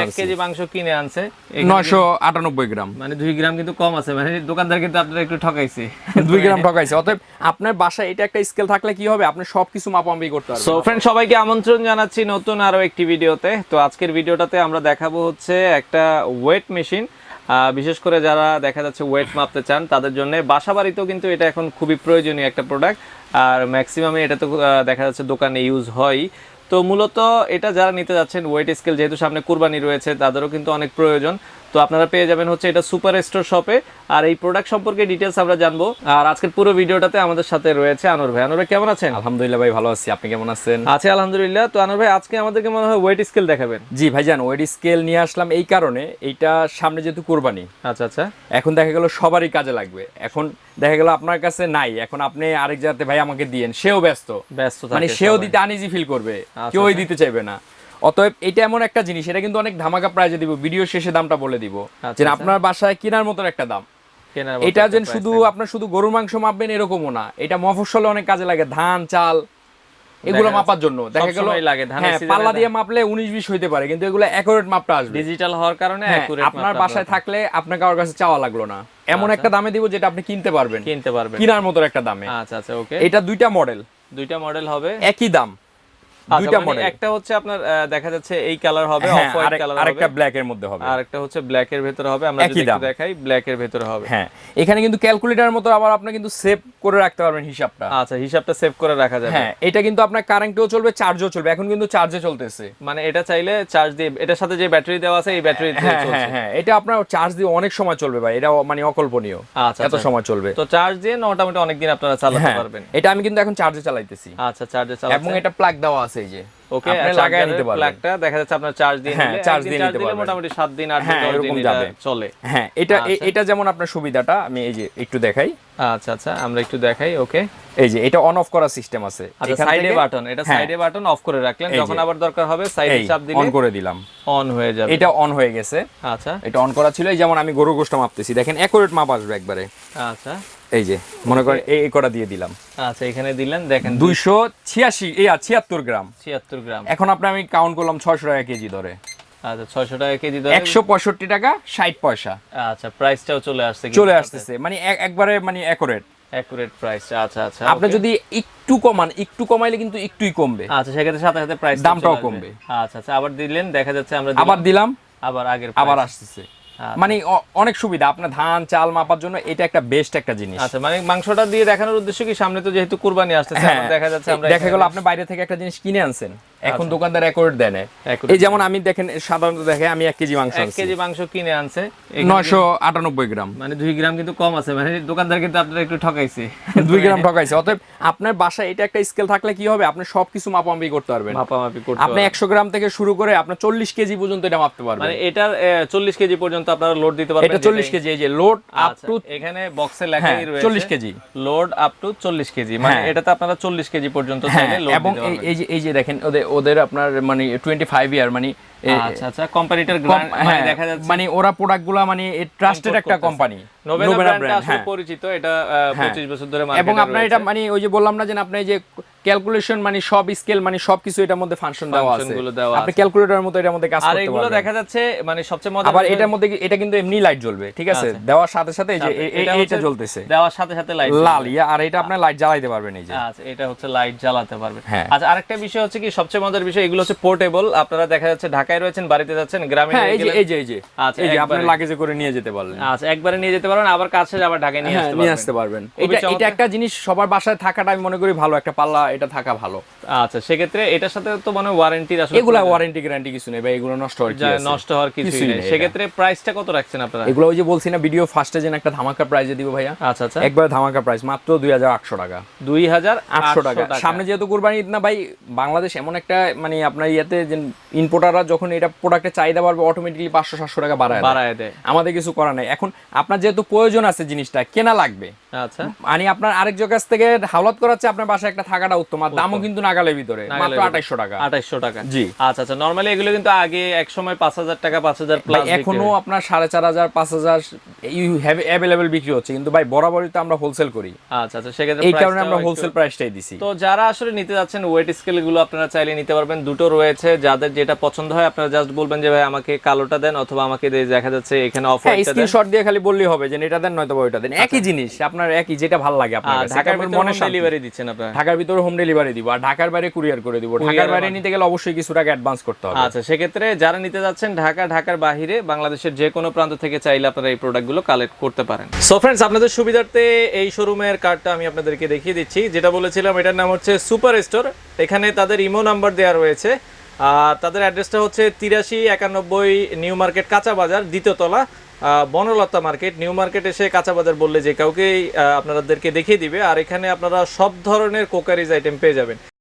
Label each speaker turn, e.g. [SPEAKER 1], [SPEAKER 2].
[SPEAKER 1] 1 KG মাংস কিনে আনছে
[SPEAKER 2] 998 গ্রাম,
[SPEAKER 1] মানে 2 গ্রাম কিন্তু কম আছে, মানে দোকানদার কিন্তু আপনারা একটু ঠকাইছে
[SPEAKER 2] 2 গ্রাম ঠকাইছে। অতএব আপনার বাসায় এটা একটা স্কেল থাকলে কি হবে, আপনি সবকিছু মাপামাপি করতে পারবেন।
[SPEAKER 1] সো ফ্রেন্ড, সবাইকে আমন্ত্রণ জানাচ্ছি নতুন আরো একটি ভিডিওতে। তো আজকের ভিডিওটাতে আমরা দেখাবো হচ্ছে একটা ওয়েট মেশিন। বিশেষ করে যারা দেখা যাচ্ছে ওয়েট মাপতে চান তাদের জন্য বাসা বাড়িতেও কিন্তু এটা এখন খুবই প্রয়োজনীয় একটা প্রোডাক্ট, আর ম্যাক্সিমামে এটা তো দেখা যাচ্ছে দোকানে ইউজ হয়। তো মূলত এটা যারা নিতে যাচ্ছেন ওয়েট স্কেল, যেহেতু সামনে কুরবানি রয়েছে, তাদেরও কিন্তু অনেক প্রয়োজন। তো আপনারা পেয়ে যাবেন হচ্ছে এটা সুপার স্টোর শপে। আর এই প্রোডাক্ট সম্পর্কে ডিটেলস আমরা জানবো। আর আজকের পুরো ভিডিওটাতে আমাদের সাথে রয়েছে আনোয়ার ভাই। আনোয়ার ভাই কেমন আছেন?
[SPEAKER 2] আলহামদুলিল্লাহ ভাই, ভালো আছি, আপনি কেমন আছেন?
[SPEAKER 1] আছি আলহামদুলিল্লাহ। তো আনোয়ার ভাই, আজকে আমাদেরকে মনে হয় ওয়েট স্কেল দেখাবেন।
[SPEAKER 2] জি ভাইজান, ওয়েট স্কেল নিয়ে আসলাম এই কারণে, এইটা সামনে যেহেতু কুরবানি,
[SPEAKER 1] আচ্ছা আচ্ছা,
[SPEAKER 2] এখন দেখা গেল সবারই কাজে লাগবে। এখন দেখা গেল আপনার কাছে নাই, এখন আপনি আরেক জায়গাতে ভাই আমাকে দিয়েন, সেও ব্যস্ত, মানে সেও দিতে আনইজি ফিল করবে, কেউই দিতে চাইবে না। অতএব এটা এমন একটা জিনিস, এটা কিন্তু অনেক ধামাকা প্রাইজে দিব, ভিডিও শেষে দামটা বলে দিব, যে আপনার বাসায় কেনার মতন একটা দাম। এটা যেন শুধু আপনার শুধু গরুর মাংস মাপবেন এরকমও না, এটা মফস্বলে অনেক কাজে লাগে, ধান চাল এগুলো মাপার জন্য। দেখা গেল পাল্লা দিয়ে মাপলে 19-20 হইতে পারে, কিন্তু এগুলো অ্যাকুরেট মাপটা আসবে
[SPEAKER 1] ডিজিটাল হওয়ার কারণে।
[SPEAKER 2] আপনার বাসায় থাকলে আপনার কারোর কাছে চাওয়া লাগলো না, এমন একটা দামে দিব যেটা আপনি কিনতে পারবেন কেনার মতো একটা দামে।
[SPEAKER 1] আচ্ছা আচ্ছা, ওকে।
[SPEAKER 2] এটা দুইটা মডেল হবে, একই দাম, দুইটা মডেল।
[SPEAKER 1] একটা হচ্ছে আপনার দেখা যাচ্ছে এই কালার হবে, অফ হোয়াইট কালার হবে,
[SPEAKER 2] আরেকটা ব্ল্যাক এর মধ্যে হবে,
[SPEAKER 1] আরেকটা হচ্ছে ব্ল্যাক এর ভিতরে হবে। আমরা যদি একটু দেখাই, ব্ল্যাক এর ভিতরে হবে।
[SPEAKER 2] হ্যাঁ, এখানে কিন্তু ক্যালকুলেটরের মতো আবার আপনি কিন্তু সেভ করে রাখতে পারবেন হিসাবটা।
[SPEAKER 1] আচ্ছা, হিসাবটা সেভ করে রাখা যাবে।
[SPEAKER 2] হ্যাঁ, এটা কিন্তু আপনার কারেন্টেও চলবে, চার্জও চলবে, এখন কিন্তু চার্জে চলতেছে।
[SPEAKER 1] মানে এটা চাইলে চার্জ দিয়ে, এটার সাথে যে ব্যাটারি দেওয়া আছে এই ব্যাটারি দিয়ে চলছে।
[SPEAKER 2] হ্যাঁ, এটা আপনার চার্জ দিয়ে অনেক সময় চলবে ভাই, এটা মানে অকল্পনীয়, এত সময় চলবে।
[SPEAKER 1] তো চার্জ দিয়ে মোটামুটি অনেক দিন আপনারা চালাতে পারবেন।
[SPEAKER 2] এটা আমি কিন্তু এখন চার্জে চালাইতেছি।
[SPEAKER 1] আচ্ছা, চার্জে চালাচ্ছেন,
[SPEAKER 2] এবং এটা প্লাগ দেওয়া আছে, এই যে
[SPEAKER 1] ওকে, লাগায় নিতে পারবেন। প্লাগটা দেখা যাচ্ছে আপনার চার্জ দিয়ে নিলে,
[SPEAKER 2] চার্জ দিয়ে নিতে পারবেন,
[SPEAKER 1] মোটামুটি 7 দিন 8 দিন এরকম যাবে, চলে।
[SPEAKER 2] হ্যাঁ, এটা যেমন আপনার সুবিধাটা আমি এই যে একটু দেখাই।
[SPEAKER 1] আচ্ছা আচ্ছা, আমরা একটু দেখাই, ওকে।
[SPEAKER 2] এই যে এটা অন অফ করার সিস্টেম আছে,
[SPEAKER 1] আচ্ছা, সাইডে বাটন, এটা সাইডে বাটন অফ করে রাখলেন, যখন আবার দরকার হবে সাইডে চাপ দিলে
[SPEAKER 2] অন করে দিলাম,
[SPEAKER 1] অন হয়ে যাবে।
[SPEAKER 2] এটা অন হয়ে গেছে।
[SPEAKER 1] আচ্ছা,
[SPEAKER 2] এটা অন করা ছিল, এই যেমন আমি গরু গোশত মাপতেছি, দেখেন একুরেট মাপ আসবে একবারে।
[SPEAKER 1] আচ্ছা,
[SPEAKER 2] এই যে মনে করেন এই কটা দিয়ে দিলাম।
[SPEAKER 1] আচ্ছা, এখানে দিলেন, দেখেন
[SPEAKER 2] 276 গ্রাম।
[SPEAKER 1] 76 গ্রাম।
[SPEAKER 2] এখন আমি কাউন্ট করলাম 600 টাকা কেজি ধরে।
[SPEAKER 1] আচ্ছা, 600 টাকা কেজি ধরে
[SPEAKER 2] 165 টাকা 60 পয়সা।
[SPEAKER 1] আচ্ছা, প্রাইসটাও চলে আসছে,
[SPEAKER 2] মানে একবারে মানে
[SPEAKER 1] একুরেট প্রাইস। আচ্ছা আচ্ছা,
[SPEAKER 2] আপনি যদি একটু কমান, একটু কমাইলে কিন্তু একটুই কমবে।
[SPEAKER 1] আচ্ছা, সেক্ষেত্রে সাথে সাথে প্রাইস
[SPEAKER 2] দামটাও কমবে।
[SPEAKER 1] আচ্ছা আচ্ছা, আবার দিলেন, দেখা যাচ্ছে আমরা
[SPEAKER 2] আবার দিলাম,
[SPEAKER 1] আবার আগের
[SPEAKER 2] আবার আসতেছে। মানে অনেক সুবিধা আপনার ধান চাল মাপার জন্য, এটা একটা বেস্ট একটা জিনিস।
[SPEAKER 1] আচ্ছা, মানে মাংসটা দিয়ে দেখানোর উদ্দেশ্য কি, সামনে তো যেহেতু কুরবানি আসতেছে, দেখা যাচ্ছে আমরা
[SPEAKER 2] দেখা গেল আপনি বাইরে থেকে একটা জিনিস কিনে আনছেন, এখন দোকানদার অ্যাকুরেট দেয় না। এই যেমন আমি দেখেন সাধারণত দেখে আমি 1 কেজি মাংস আনছি,
[SPEAKER 1] 1 কেজি মাংস কিনে আনছে
[SPEAKER 2] 998 গ্রাম,
[SPEAKER 1] মানে 2 গ্রাম কিন্তু কম আছে, মানে দোকানদার কিন্তু আপনারা একটু ঠকাইছে
[SPEAKER 2] 2 গ্রাম ঠকাইছে। অতএব আপনার বাসায় এটা একটা স্কেল থাকলে কি হবে, আপনি সবকিছু মাপামাপি করতে পারবেন, আপনি 100 গ্রাম থেকে শুরু করে আপনি 40 কেজি পর্যন্ত এটা মাপতে পারবেন।
[SPEAKER 1] মানে এটার 40 কেজি পর্যন্ত আপনারা লোড দিতে পারবেন।
[SPEAKER 2] এটা 40 কেজি, এই যে লোড আপ টু,
[SPEAKER 1] এখানে বক্সে লেখাই রয়েছে
[SPEAKER 2] 40 কেজি,
[SPEAKER 1] লোড আপ টু 40 কেজি, মানে এটাতে আপনারা 40 কেজি পর্যন্ত চাইলে লোড দিতে পারবেন। এবং
[SPEAKER 2] এই যে দেখেন ওদের আপনার মানে 25 ইয়ার মানে
[SPEAKER 1] আচ্ছা আচ্ছা, কোম্পানিটার গ্র্যান্ড, মানে দেখা যাচ্ছে
[SPEAKER 2] মানে ওরা প্রোডাক্টগুলো মানে ট্রাস্টেড একটা কোম্পানি,
[SPEAKER 1] নোবেলা ব্র্যান্ড আসলে পরিচিত, এটা 25 বছর ধরে মার্কেটে
[SPEAKER 2] এবং আপনার এটা মানে ওই যে বললাম না যে আপনি যে ক্যালকুলেশন মানে সব স্কেল মানে সবকিছু এটার মধ্যে ফাংশন দেওয়া আছে, আপনি ক্যালকুলেটরের মতো এটার মধ্যে কাজ করতে পারবেন। আর এগুলো
[SPEAKER 1] দেখা যাচ্ছে মানে সবচেয়ে মজার,
[SPEAKER 2] আবার এটার মধ্যে এটা কিন্তু এমনি লাইট জ্বলবে, ঠিক আছে, দেওয়ার সাথে সাথে এই যে এটা জ্বলতেছে,
[SPEAKER 1] দেওয়ার সাথে সাথে লাইট
[SPEAKER 2] লাল, আর এটা আপনি লাইট জ্বালাইতে পারবেন, এই যে
[SPEAKER 1] আচ্ছা, এটা হচ্ছে লাইট জ্বালাতে পারবেন। আচ্ছা, আরেকটা বিষয় হচ্ছে কি, সবচেয়ে মজার বিষয়, এগুলো হচ্ছে পোর্টেবল। আপনারা দেখা যাচ্ছে ঢাকায় রয়েছেন, বাড়িতে যাচ্ছেন, গ্রামে
[SPEAKER 2] এই যে আচ্ছা, এই যে আপনি লাগেজে করে নিয়ে যেতে পারবেন।
[SPEAKER 1] আচ্ছা, একবারে নিয়ে যেতে পারবেন, আবার কাছে আবার ঢাকায় নিয়ে আসতে পারবেন।
[SPEAKER 2] এটা একটা জিনিস সবার বাসায় থাকাটা আমি মনে করি ভালো, একটা পাল্লা এটা থাকা ভালো।
[SPEAKER 1] আচ্ছা, সেক্ষেত্রে এটার সাথে তো মানে ওয়ারেন্টির আসলে
[SPEAKER 2] এগুলা ওয়ারেন্টি গ্যারান্টি কিছু নেই ভাই, এগুলো নষ্ট হওয়ার কিছু নেই।
[SPEAKER 1] সেক্ষেত্রে প্রাইসটা কত রাখছেন আপনারা?
[SPEAKER 2] এগুলো ওই যে বলছি না ভিডিও ফার্স্টে যেন একটা ধামাকা প্রাইজে দিব ভাইয়া।
[SPEAKER 1] আচ্ছা আচ্ছা,
[SPEAKER 2] একবার ধামাকা প্রাইস মাত্র 2800 টাকা।
[SPEAKER 1] 2800 টাকা।
[SPEAKER 2] সামনে যেহেতু কুরবানি ঈদ না ভাই, বাংলাদেশ এমন একটা মানে আপনার ইয়াতে যে ইম্পোর্টাররা যখন এটা প্রোডাক্টের চাহিদা বাড়বে অটোমেটিক্যালি 500-700 টাকা বাড়ায় দেয়, আমাদের কিছু করার নাই। এখন আপনার যেহেতু প্রয়োজন আছে, জিনিসটা কেনা লাগবে,
[SPEAKER 1] আচ্ছা,
[SPEAKER 2] মানে আপনার আরেকজন কাছ থেকে হাওলাত করাচ্ছে, আপনার বাসায় একটা থাকাটা তোমার দামও কিন্তু নাগালের ভিতরে, মাত্র 2800 টাকা।
[SPEAKER 1] 2800 টাকা,
[SPEAKER 2] জি।
[SPEAKER 1] আচ্ছা আচ্ছা, নরমালি এগুলো কিন্তু আগে এক সময় 5000 টাকা, 5000 প্লাস,
[SPEAKER 2] এখনো আপনার 4500 5000 ইউ হ্যাভ अवेलेबल বিক্রি হচ্ছে, কিন্তু ভাই বরাবরই তো আমরা হোলসেল করি।
[SPEAKER 1] আচ্ছা আচ্ছা, সেক্ষেত্রে
[SPEAKER 2] এই কারণে আমরা হোলসেল প্রাইসটাই দিছি।
[SPEAKER 1] তো যারা আসলে নিতে যাচ্ছেন ওয়েট স্কেল গুলো আপনারা চাইলে নিতে পারবেন, দুটো রয়েছে, যাদের যেটা পছন্দ হয় আপনারা জাস্ট বলবেন যে ভাই আমাকে কালোটা দেন, অথবা আমাকে দেখা যাচ্ছে এখানে অফ হোয়াইটটা দেন,
[SPEAKER 2] স্ক্রিনশট দিয়ে খালি বললেই হবে যে এটা দেন নয়তো ওইটা দেন, একই জিনিস আপনার, একই যেটা ভালো লাগে আপনার কাছে।
[SPEAKER 1] ঢাকার ভিতরে হোম ডেলিভারি দিচ্ছেন আপনারা?
[SPEAKER 2] ঢাকার ভিতরে হোম ডেলিভারি দিব, আর ঢাকার বাইরে কুরিয়ার করে দিব। ঢাকার বাইরে নিতে গেলে অবশ্যই কিছু টাকা অ্যাডভান্স করতে হবে।
[SPEAKER 1] আচ্ছা, সেক্ষেত্রে যারা নিতে যাচ্ছেন ঢাকার বাইরে বাংলাদেশের যে কোনো প্রান্ত থেকে চাইলে আপনারা এই প্রোডাক্টগুলো কালেক্ট করতে পারেন। সো ফ্রেন্ডস, আপনাদের সুবিধার্থে এই শোরুমের কার্ডটা আমি আপনাদেরকে দেখিয়ে দিচ্ছি। যেটা বলেছিলাম, এটার নাম হচ্ছে সুপার স্টোর। এখানে তাদের ইমো নাম্বার দেওয়া রয়েছে, আর তাদের অ্যাড্রেসটা হচ্ছে 8391 নিউ মার্কেট কাঁচা বাজার, দ্বিতীয় তলা, বনলতা মার্কেট। নিউ মার্কেট এসে কাঁচা বাজার বললে যে কাউকেই আপনাদেরকে দেখিয়ে দিবে। আর এখানে আপনারা সব ধরনের কোকারিজ আইটেম পেয়ে যাবেন।